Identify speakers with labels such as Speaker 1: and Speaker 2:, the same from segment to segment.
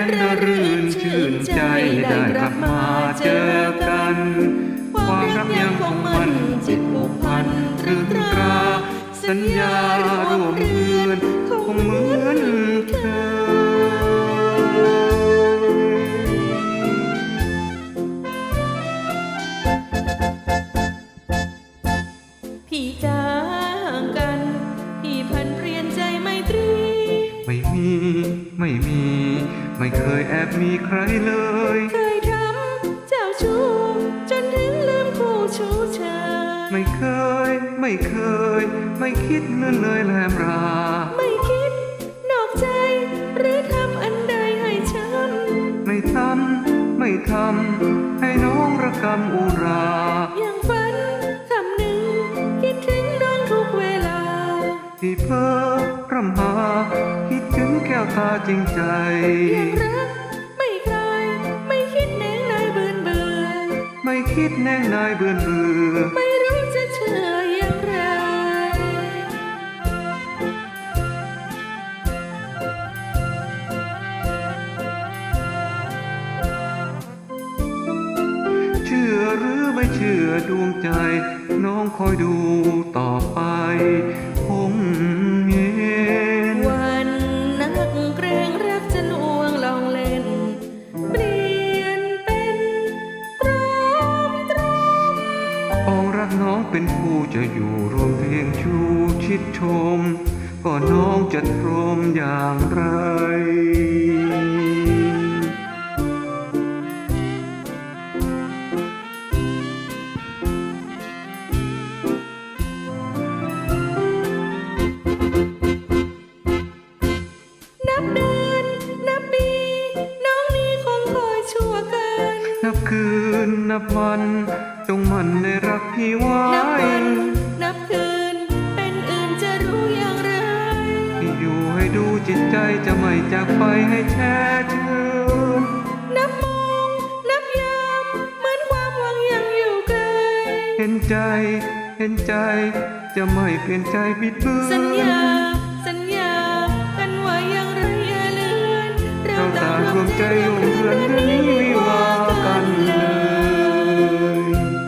Speaker 1: นระรื่นชื่นใจได้กลับมาเจอกันความรักยังคงมันจิตผูกพันตรึงตราสัญญารวมเรือนคงเหมือนเค
Speaker 2: ยพี่จ้าห่างกันพี่พันเปลี่ยนใจไมตรี
Speaker 1: ไม่มีไม่เคยแอบมีใครเลย
Speaker 2: เคยทำเจ้าชู้จนถึงลืมคู่ชู้ชาย
Speaker 1: ไม่เคยไม่คิดเลื่อนเลยแลมรา
Speaker 2: ไม่คิดนอกใจหรือทำอันใดให้ช้ำ
Speaker 1: ไม่ทำให้น้องระกำอุรา
Speaker 2: ยังฝันคำหนึ่งคิดถึงน้องทุกเวลา
Speaker 1: ที่เพ้อพร่ำหาคิดถึงแก้วตาจริงใจ
Speaker 2: ยังรักไม่คลายไม่คิดแนงนายเบื่อ
Speaker 1: ไม่คิดแนงนายเบื่อ
Speaker 2: ไม่รู้จะเชื่ออย่างไร
Speaker 1: เชื่อหรือไม่เชื่อดวงใจน้องคอยดูต่อไปคงเย็น
Speaker 2: วันนักเกรงรักจะลวงลองเล่นเปลี่ยนเป็นตร
Speaker 1: องรักน้องเป็นผู้จะอยู่รวมเพลงชูชิดชมก็น้องจะตรมอย่างไร
Speaker 2: นับเดือนนับปีน้องนี้คงคอยชั่วกัน
Speaker 1: นับคืนนับวันจงมันในรักพี่ไว้
Speaker 2: นับวันนับคืนเป็นอื่นจะรู้อย่างไร
Speaker 1: ที่อยู่ให้ดูจิตใจจะไม่จากไปให้แช่ชื่น
Speaker 2: นับมองนับยามเหมือนความหวังยังอยู่ไกล
Speaker 1: เห็นใจจะไม่เปลี่ยนใจบิดเบือน
Speaker 2: สัญญากันไว้อย่างไรอย่าเลือน
Speaker 1: เราต่างรวมใจลงเรือนนี้วิวากันเลย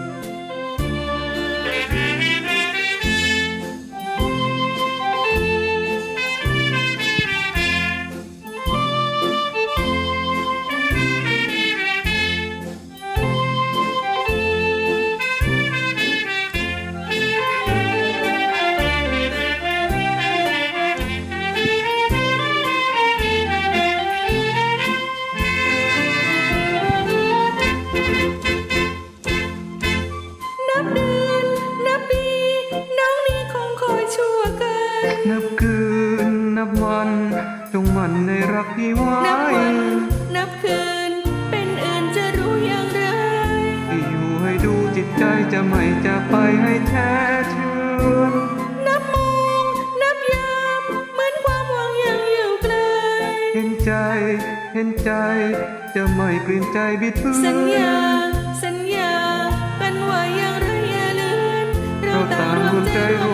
Speaker 1: นับคืนนับวันจงมันในรักพี่ไว้
Speaker 2: นับวันนับคืนเป็นอื่นจะรู้อย่างไร
Speaker 1: ที่อยู่ให้ดูจิตใจจะไม่จากไปให้แท้ชื่น
Speaker 2: นับมองนับยามเหมือนความหวังยังอยู่ไกล
Speaker 1: เห็นใจจะไม่เปลี่ยนใจบิดเบือน
Speaker 2: สัญญากันไว้อย่างไรอย่าเลือน
Speaker 1: เราต่างรวมใจ